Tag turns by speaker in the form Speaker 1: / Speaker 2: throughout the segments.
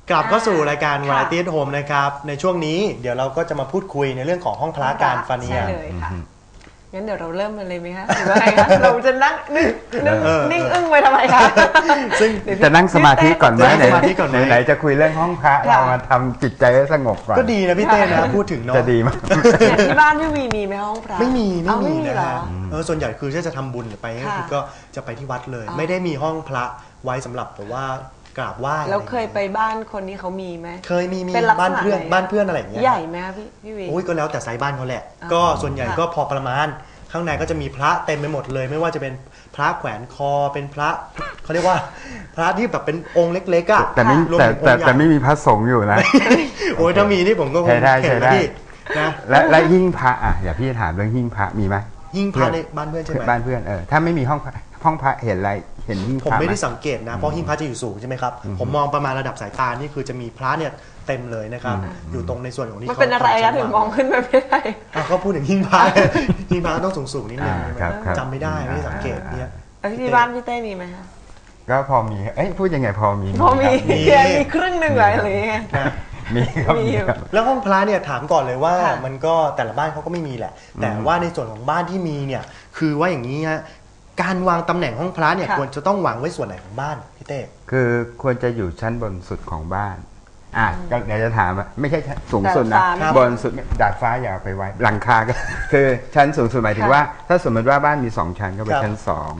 Speaker 1: กลับเข้าสู่รายการ Variety at Home นะครับในช่วงนี้เดี๋ยวเราก็จะมาพูดคุยในเรื่องของห้องพระการฟาเนีย
Speaker 2: ใช่เลยค่ะงั้นเดี๋ยวเราเริ่มกันเลยไหมคะหรือว่าไงคะเราจะนั่งนิ่งอึ้งไปทำไมคะ
Speaker 3: ซึ่งจะนั่งสมาธิก่อนไหมไหนจะคุยเรื่องห้องพระเรามาทำจิตใจให้สงบก่อน
Speaker 1: ก็ดีนะพี่เต้นะพูดถึงเนาะ
Speaker 3: จะดีมาก
Speaker 2: ที่บ้านพี่วีมีไหมห้องพระ
Speaker 1: ไม่มีนะฮะส่วนใหญ่คือถ้าจะทำบุญหรือไปก็จะไปที่วัดเลยไม่ได้มีห้องพระไว้สำหรับแต่ว่ากราบไหว้
Speaker 2: แล้วเคยไปบ้านคนที่เขามีไหม
Speaker 1: เคยมีบ้านเพื่อนอะไรอย่างเงี้ย
Speaker 2: ใหญ่ไหมพี่วี
Speaker 1: โอ้ยก็แล้วแต่ไซส์บ้านเขาแหละก็ส่วนใหญ่ก็พอประมาณข้างในก็จะมีพระเต็มไปหมดเลยไม่ว่าจะเป็นพระแขวนคอเป็นพระเขาเรียกว่าพระที่แบบเป็นองค์เล็กๆอ่ะ
Speaker 3: แต่ไม่มีพระสงฆ์อยู่นะ
Speaker 1: โอ้ยถ้ามีนี่ผมก็คง
Speaker 3: เห็นแล้วนะและหิ้งพระอ่ะอย่าพี่ถามเรื่องหิ้งพระมีไหม
Speaker 1: หิ้งพระในบ้านเพื่อนใช่ไหม
Speaker 3: บ้านเพื่อนถ้าไม่มีห้องพระเห็นอะไรเห็นหิ้งพระ
Speaker 1: ผมไม่ได้สังเกตนะเพราะหิ้งพระจะอยู่สูงใช่ไหมครับผมมองประมาณระดับสายตานี่คือจะมีพระเนี่ยเต็มเลยนะครับอยู่ตรงในส่วนของนี้
Speaker 2: มันเป็นอะไรคะถึงมองขึ้นไปไม่ได้
Speaker 1: เขาพูดถึงหิ้งพระหิ้งพระต้องสูงนิดนึงจำไม่ได้ไม่ได้สังเกตเนี่ย
Speaker 2: ที่บ้านพี่เต้มีไหมคะ
Speaker 3: ก็พอมีพูดยังไงพอมี
Speaker 2: ครึ่งหนึ่งเลยอะไรเงี้ย
Speaker 3: มีครับ
Speaker 1: แล้วห้องพระเนี่ยถามก่อนเลยว่ามันก็แต่ละบ้านเขาก็ไม่มีแหละแต่ว่าในส่วนของบ้านที่มีเนี่ยคือว่าอย่างนี้ฮะการวางตำแหน่งห้องพระเนี่ยควรจะต้องวางไว้ส่วนไหนของบ้านพี่เต้
Speaker 3: คือควรจะอยู่ชั้นบนสุดของบ้านก็เดี๋ยวจะถามไม่ใช่สูงสุดนะบนสุดดาดฟ้าอย่าไปไว้หลังคาก็คือชั้นสูงสุดหมายถึงว่าถ้าสมมติว่าบ้านมี2ชั้นก็ไปชั้น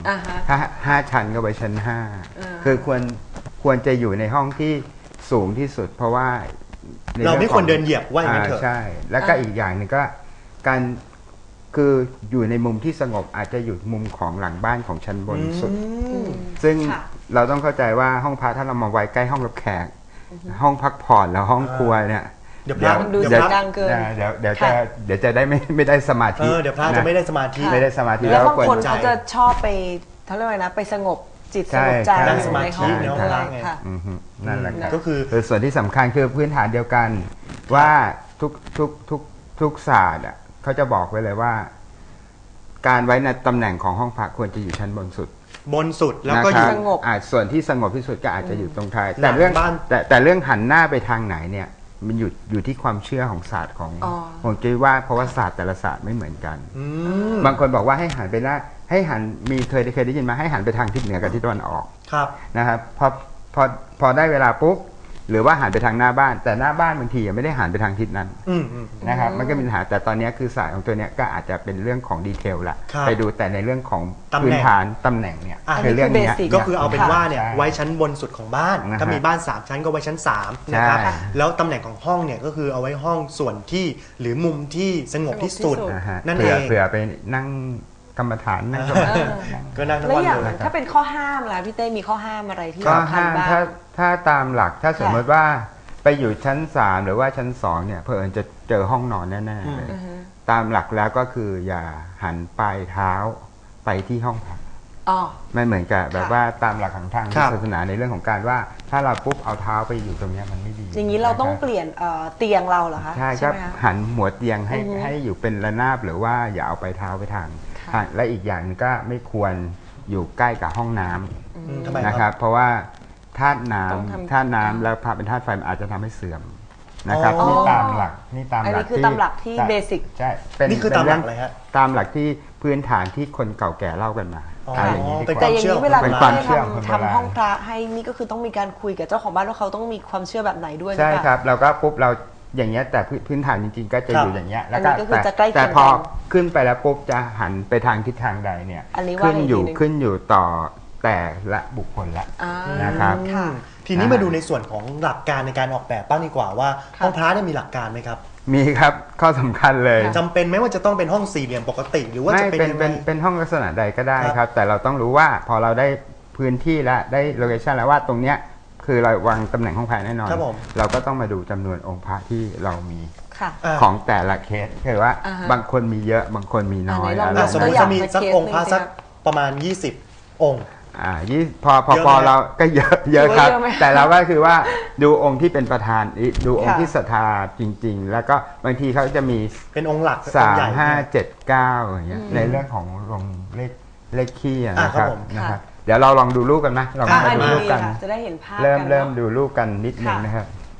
Speaker 3: 2ถ้า5ชั้นก็ไปชั้น5คือควรจะอยู่ในห้องที่สูงที่สุดเพราะว่า
Speaker 1: เราไม่ควรเดินเหยียบว่าอย่างนั้นเถอะ
Speaker 3: ใช่แล้วก็อีกอย่างหนึ่งก็การคืออยู่ในมุมที่สงบอาจจะอยู่มุมของหลังบ้านของชั้นบนสุดซึ่งเราต้องเข้าใจว่าห้องพระถ้าเรามาไว้ใกล้ห้องรับแขกห้องพักผ่อนแล้วห้องครัวเนี่ย
Speaker 2: เดี๋ยวดูเสียงดังเกิน
Speaker 3: เดี๋ยวจะได้ไม่ได้สมาธิ
Speaker 1: เดี๋ยวพระจะไม่ได้สมาธิ
Speaker 2: แล้วบางคนเขาจะชอบไปเขาเรียกว่านะไปสงบจิตสงบใจ
Speaker 1: นั่งสมาธิเนาะ
Speaker 3: นั่นแหละก็คือส่วนที่สำคัญคือพื้นฐานเดียวกันว่าทุกศาสตร์เขาจะบอกไว้เลยว่าการไว้ในตำแหน่งของห้องพระควรจะอยู่ชั้นบนสุด
Speaker 1: แล้วก็อยู่
Speaker 2: สงบ
Speaker 3: ส่วนที่สงบที่สุดก็อาจจะอยู่ตรงท้ายแต่เรื่องหันหน้าไปทางไหนเนี่ยมันอยู่ที่ความเชื่อของศาสตร์ของผมคิดว่าเพราะว่าศาสตร์แต่ละศาสตร์ไม่เหมือนกันบางคนบอกว่าให้หันไปหน้าให้หันเคยได้ยินมาให้หันไปทางทิศเหนือกับทิศตะวันออกนะครับพอได้เวลาปุ๊บหรือว่าหันไปทางหน้าบ้านแต่หน้าบ้านบางทีไม่ได้หันไปทางทิศนั้นนะครับมันก็มีปัญหาแต่ตอนนี้คือศาสตร์ของตัวนี้ก็อาจจะเป็นเรื่องของดีเทลละไปดูแต่ในเรื่องของพื้นฐานตำแหน่งเนี่ย
Speaker 1: คือเรื่องนี้ก็คือเอาเป็นว่าเนี่ยไว้ชั้นบนสุดของบ้านถ้ามีบ้าน3ชั้นก็ไว้ชั้น3นะครับแล้วตำแหน่งของห้องเนี่ยก็คือเอาไว้ห้องส่วนที่หรือมุมที่สงบที่สุดนั่นเอง
Speaker 3: เผื่อไปนั่งกรรมฐานนั่ง
Speaker 1: ก็นั่งทั้ง
Speaker 2: วัน
Speaker 1: เลย
Speaker 2: ถ้าเป็นข้อห้ามล่ะพี่เต้มีข้อห้ามอะไรที่
Speaker 3: ข้อห้ามถ้าตามหลักถ้าสมมติว่าไปอยู่ชั้น3หรือว่าชั้น2เนี่ยเพื่อจะเจอห้องนอนแน่ๆเลยตามหลักแล้วก็คืออย่าหันปลายเท้าไปที่ห้องพักไม่เหมือนกับแบบว่าตามหลักของทางศาสนาในเรื่องของการว่าถ้าเราปุ๊บเอาเท้าไปอยู่ตรงนี้มันไม่ดี
Speaker 2: อย่างนี้เราต้องเปลี่ยนเตียงเราเหรอคะ
Speaker 3: ใช่ครับหันหัวเตียงให้อยู่เป็นระนาบหรือว่าอย่าเอาไปเท้าไปทางและอีกอย่างนึงก็ไม่ควรอยู่ใกล้กับห้องน้ำนะครับเพราะว่าธาตุน้ำแล้วพระเป็นธาตุไฟมันอาจจะทำให้เสื่อมนะครับนี่ตามหลัก
Speaker 2: ที่เบสิก
Speaker 3: ใช่
Speaker 1: นี่คือตามหลักเลยฮะ
Speaker 3: ตามหลักที่พื้นฐานที่คนเก่าแก่เล่ากันมา
Speaker 1: อย่างนี้
Speaker 2: แต่อย่างนี้เวลาทำห้องพระให้นี่ก็คือต้องมีการคุยกับเจ้าของบ้านว่าเขาต้องมีความเชื่อแบบไหนด้วย
Speaker 3: ใช่ครับเราก็ปุ๊บเราอย่างเงี้ยแต่พื้นฐานจริงๆก็จะอยู่อย่างเงี้ยแล้วก็แต่พอขึ้นไปแล้วปุ๊บจะหันไปทางทิศทางใดเนี่ยขึ้นอยู่ต่อแต่ละบุคคลละนะครับ
Speaker 1: ทีนี้มาดูในส่วนของหลักการในการออกแบบบ้างดีกว่าว่าห้องพระเนี่ยมีหลักการไหมครับ
Speaker 3: มีครับข้อสำคัญเลย
Speaker 1: จำเป็นไหมว่าจะต้องเป็นห้องสี่เหลี่ยมปกติหรือว่าจะ
Speaker 3: เป็นห้องลักษณะใดก็ได้ครับแต่เราต้องรู้ว่าพอเราได้พื้นที่แล้วได้โลเคชั่นแล้วว่าตรงเนี้ยคือเราวางตำแหน่งห้องพระแน่นอนเราก็ต้องมาดูจำนวนองค์พระที่เรามีของแต่ละเคสคือว่าบางคนมีเยอะบางคนมีน้อย
Speaker 1: สมมติจะมีสักองค์พระสักประมาณ20องค์
Speaker 3: พอเราก็เยอะครับแต่เราก็คือว่าดูองค์ที่เป็นประธานดูองค์ที่ศรัทธาจริงๆแล้วก็บางทีเขาจะมี
Speaker 1: เป็นองค์หลัก
Speaker 3: 3 5 7 9อย่างเงี้ยในเรื่องของลงเลขขี้นะครับเดี๋ยวเราลองดูรูปกันนะลองดูรูปกัน
Speaker 2: จะได้เห็นภาพ
Speaker 3: เริ่มดูรูปกันนิดนึงนะครับ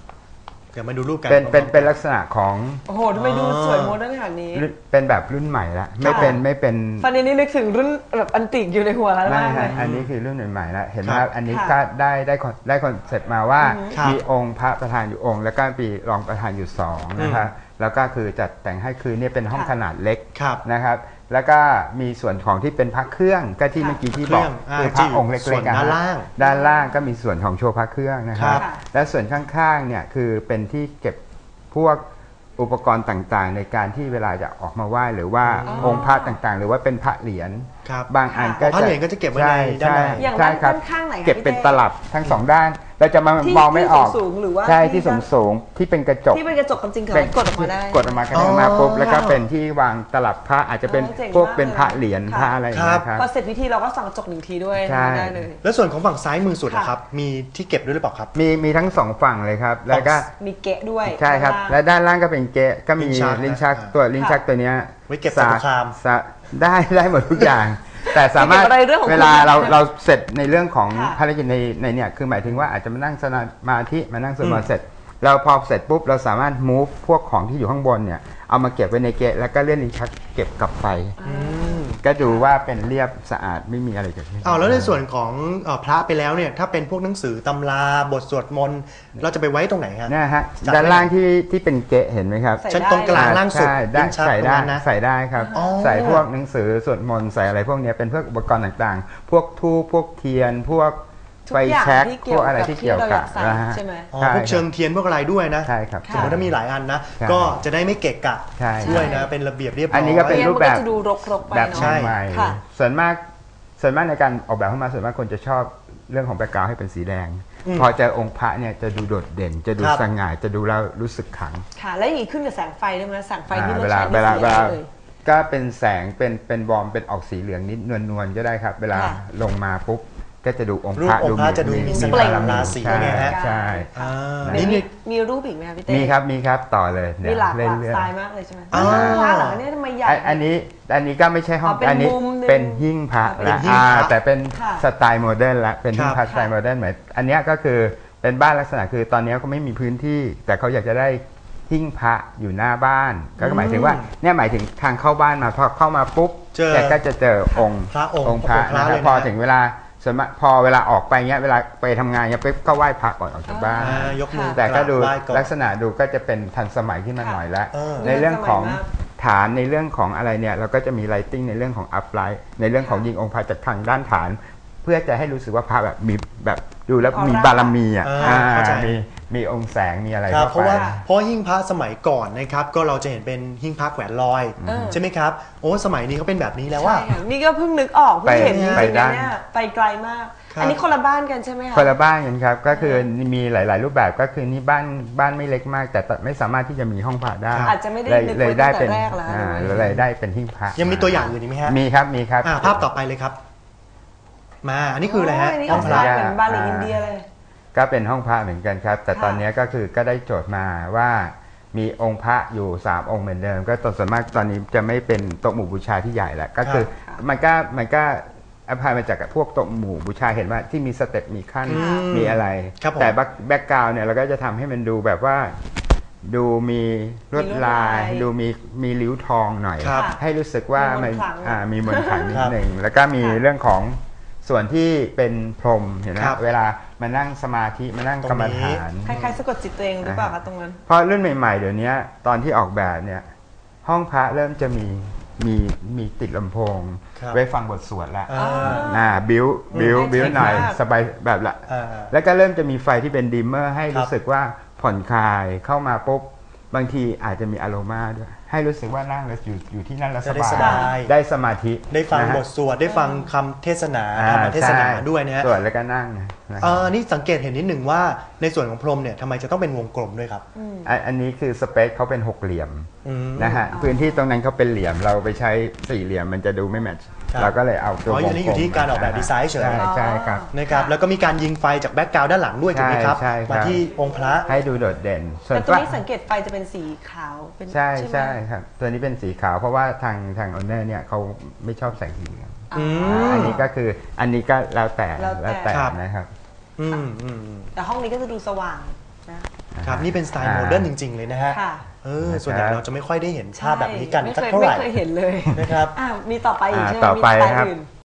Speaker 1: เดี๋ยวมาดูรูปกัน
Speaker 3: เป็นลักษณะของ
Speaker 2: โอ้โหทำไมดูสวยโมเดิร์นขนาดนี้
Speaker 3: เป็นแบบรุ่นใหม่ละไม่เป็น
Speaker 2: ฟันนี้นึกถึงรุ่นแบบอันติกอยู่ในหัวแล้ว
Speaker 3: ไม่
Speaker 2: มากเลย
Speaker 3: อันนี้คือรุ่นใหม่ๆแล้วเห็นไหมอันนี้ก็ได้คอนเซ็ปต์มาว่ามีองค์พระประธานอยู่องค์ แล้วก็มีรองประธานอยู่2นะครับแล้วก็คือจัดแต่งให้คือเนี่ยเป็นห้องขนาดเล็กนะครับแล้วก็มีส่วนของที่เป็นพระเครื่องก็ที่เมื่อกี้ที่บอกคือพระองค์เล็กๆด้านล่างก็มีส่วนของโชว์พระเครื่องนะครับและส่วนข้างๆเนี่ยคือเป็นที่เก็บพวกอุปกรณ์ต่างๆในการที่เวลาจะออกมาไหว้หรือว่าองค์พระต่างๆหรือว่าเป็นพระเหรียญบางอันก็
Speaker 1: พระเหรียญก็จะเก็บไว้ในด้านใน
Speaker 2: อย่างด้านข้างไหน
Speaker 3: เก็บเป็นตลับทั้ง2ด้านเราจะมองไม่ออกใช่ที่สูงที่เป็นกระจก
Speaker 2: ความจริงกดออกมาได้
Speaker 3: กดออกมาก็ได้มาปุ๊บแล้วก็เป็นที่วางตลับพระอาจจะเป็นพวกเป็นพระเหรียญพระอะไรนะครับ
Speaker 2: พอเสร็จพิธีเราก็ส่องกระจก1 ทีด้วยได้เลย
Speaker 1: แล้วส่วนของฝั่งซ้ายมือสุดนะครับมีที่เก็บด้วยหรือเปล่าครับ
Speaker 3: มีทั้ง2ฝั่งเลยครับแล้วก็
Speaker 2: มีเกะด้วย
Speaker 3: ใช่ครับและด้านล่างก็เป็นเกะก็มีลิ้นชักตัวนี้
Speaker 1: ไว้เก็บสารคาม
Speaker 3: ได้หมดทุกอย่างแต่สามารถเวลาเราเสร็จในเรื่องของภารกิจในเนี่ยคือหมายถึงว่าอาจจะมานั่งสมาธิมานั่งสมาธิเสร็จเราพอเสร็จปุ๊บเราสามารถ move พวกของที่อยู่ข้างบนเนี่ยเอามาเก็บไว้ในเกะแล้วก็เลื่อนลิ้นชักเก็บกลับไปก็ดูว่าเป็นเรียบสะอาดไม่มีอะไรเกิดขึ้น
Speaker 1: แล้วในส่วนของพระไปแล้วเนี่ยถ้าเป็นพวกหนังสือตำราบทสวดมนต์เราจะไปไว้ตรงไหนครับ
Speaker 3: นะฮะด้านล่างที่เป็นเกะเห็นไหมครับ
Speaker 1: ชั้นตรงกลางล่างสุด
Speaker 3: ใส่ได้ครับใส่พวกหนังสือสวดมนต์ใส่อะไรพวกนี้เป็นพวกอุปกรณ์ต่างๆพวกธูปพวกเทียนพวกไฟแช็กพวกอะไรที่เกี่ยวกับ
Speaker 2: นะฮะ
Speaker 1: พวกเชิงเทียนพวกอะไรด้วยนะ
Speaker 3: ใช่ครับ
Speaker 1: สมมติถ้ามีหลายอันนะก็จะได้ไม่เกะกะด้วยนะเป็นระเบียบเรียบร้อย
Speaker 3: อันนี้ก็เป็นรูปแบบแบบ
Speaker 2: ใ
Speaker 3: หม่ส่วนมากในการออกแบบขึ้นมาส่วนมากคนจะชอบเรื่องของแบ็คกราวด์ให้เป็นสีแดงพอเจอองค์พระเนี่ยจะดูโดดเด่นจะดูสง่าจะดูแล้วรู้สึกขลัง
Speaker 2: ค่ะแล้วอย่างนี้ขึ้นกับแสงไฟด้วยไหมแสงไฟที่เรา
Speaker 3: ใช้เวลาก็เป็นแสงเป็นวอร์มเป็นออกสีเหลืองนิดนวลๆก็ได้ครับเวลาลงมาปุ๊บก็จะดูองค์พระ
Speaker 1: จะดูมีสเปล่งราศีไงฮะ
Speaker 3: ใช่
Speaker 2: มีรูปอีกไหมพี่เต้
Speaker 3: มีครับต่อเลย
Speaker 2: มีหลากสไตล์มากเลยใช่ไหมพระหลังนี่ทำไมใหญ่
Speaker 3: อันนี้ก็ไม่ใช่ห้องอันนี้เป็นหิ้งพระละแต่เป็นสไตล์โมเดิร์นละเป็นหิ้งพระสไตล์โมเดิร์นเหมือนอันนี้ก็คือเป็นบ้านลักษณะคือตอนนี้ก็ไม่มีพื้นที่แต่เขาอยากจะได้หิ้งพระอยู่หน้าบ้านก็หมายถึงว่าเนี่ยหมายถึงทางเข้าบ้านมาพอเข้ามาปุ๊บแกก็จะเจอองค์พระนะครับพอถึงเวลาส่วนมากพอเวลาออกไปเงี้ยเวลาไปทำงานเงี้ยปุ๊บก็ไหว้พระก่อนออกจากบ้านแต่ก็ดูลักษณะดูก็จะเป็นทันสมัยขึ้นมาหน่อยแล้วในเรื่องของฐานในเรื่องของอะไรเนี่ยเราก็จะมีไลติ้งในเรื่องของอัพไลท์ในเรื่องของยิงองค์พระจากทางด้านฐานเพื่อจะให้รู้สึกว่าพระแบบมีแบบดูแล้วมีบารมีมีองค์แสงมีอะไร
Speaker 1: เพราะหิ้งพระสมัยก่อนนะครับก็เราจะเห็นเป็นหิ้งพระแขวนลอยใช่ไหมครับโอ้สมัยนี้เขาเป็นแบบนี้แล้วว่า
Speaker 2: นี่ก็เพิ่งนึกออกเพิ่งเห็นจริงๆเนี่ยไปไกลมากอันนี้คนละบ้านกันใช่ไหมคะ
Speaker 3: คนละบ้านกันครับก็คือมีหลายๆรูปแบบก็คือนี่บ้านไม่เล็กมากแต่ไม่สามารถที่จะมีห้องพระได้
Speaker 2: อาจจะไม่ได้เลยได้เป็น
Speaker 3: เลยได้เป็นหิ้งพระ
Speaker 1: ยังมีตัวอย่างอื่นอีกไหมฮะ
Speaker 3: มีครับ
Speaker 1: ภาพต่อไปเลยครับมาอันนี้คืออะไรฮะ
Speaker 2: ห้องพระเหมือนบาลีอินเดียเลย
Speaker 3: ก็เป็นห้องพระเหมือนกันครับแต่ตอนนี้ก็คือก็ได้โจทย์มาว่ามีองค์พระอยู่3องค์เหมือนเดิมก็ส่วนมากตอนนี้จะไม่เป็นโต๊ะหมู่บูชาที่ใหญ่แล้วก็คือมันก็อภัยมาจากพวกโต๊ะหมู่บูชาเห็นว่าที่มีสเต็ปมีขั้นมีอะไรแต่แบ็คกราวด์เนี่ยเราก็จะทำให้มันดูแบบว่าดูมีลวดลายดูมีริ้วทองหน่อยให้รู้สึกว่ามันมีมนต์ขลังนิดหนึ่งแล้วก็มีเรื่องของส่วนที่เป็นพรหมเห็นไหมเวลามานั่งสมาธิมานั่งกรรมฐาน
Speaker 2: คล้ายๆสะกดจิตตัวเองหรือเปล่าคะตรงนั้น
Speaker 3: เพราะรุ่นใหม่ๆเดี๋ยวนี้ตอนที่ออกแบบเนี่ยห้องพระเริ่มจะมีติดลำโพงไว้ฟังบทสวดละบิ้วหน่อยสบายแบบละแล้วก็เริ่มจะมีไฟที่เป็นดิมเมอร์ให้รู้สึกว่าผ่อนคลายเข้ามาปุ๊บบางทีอาจจะมีอโรมาด้วยให้รู้สึกว่านั่งแล้วอยู่ที่นั่นแล้วสบายได้สมาธิ
Speaker 1: ได้ฟังบทสวดได้ฟังคำเทศนาธรรมเทศนาด้วยนะฮะ
Speaker 3: สวดแล้วก็นั่ง
Speaker 1: นี่สังเกตเห็นนิดหนึ่งว่าในส่วนของพรหมเนี่ยทำไมจะต้องเป็นวงกลมด้วยครับ
Speaker 3: อันนี้คือสเปคเขาเป็น6เหลี่ยมนะฮะพื้นที่ตรงนั้นเขาเป็นเหลี่ยมเราไปใช้4เหลี่ยมมันจะดูไม่แมทช์เราก็เลยเอาตัววงกลม
Speaker 1: อันนี้อยู่ที่การออกแบบดีไซน์เฉย
Speaker 3: ใช่ครับ
Speaker 1: นะครับแล้วก็มีการยิงไฟจากแบ็คกราวด์ด้านหลังด้วยถูกไหมครับมาที่องค์พระ
Speaker 3: ให้ดูโดดเด่น
Speaker 2: แต่ตัวนี้สังเกตไฟจะเป็นสีขาว
Speaker 3: ใช่ครับตัวนี้เป็นสีขาวเพราะว่าทางออเนอร์เนี่ยเขาไม่ชอบแสงสีเหลืองอันนี้ก็คืออันนี้ก็แล้วแต่นะครับ
Speaker 2: แต่ห้องนี้ก็จะดูสว่างนะ
Speaker 1: ครับนี่เป็นสไตล์โมเดิร์นจริง ๆ เลยนะฮะ
Speaker 2: ค่ะ
Speaker 1: ส่วนใหญ่เราจะไม่ค่อยได้เห็นภาพแบบนี้กัน
Speaker 2: ไม่
Speaker 1: สัก
Speaker 2: เคย
Speaker 1: เท่าไหร่
Speaker 2: ไม่เคยเห็นเลย
Speaker 1: นะครับ
Speaker 2: มีต่อไปอีกใช่ไหม
Speaker 3: ต่อ
Speaker 2: มี
Speaker 3: ไป
Speaker 2: สไตล์
Speaker 3: ครับ
Speaker 2: อื่น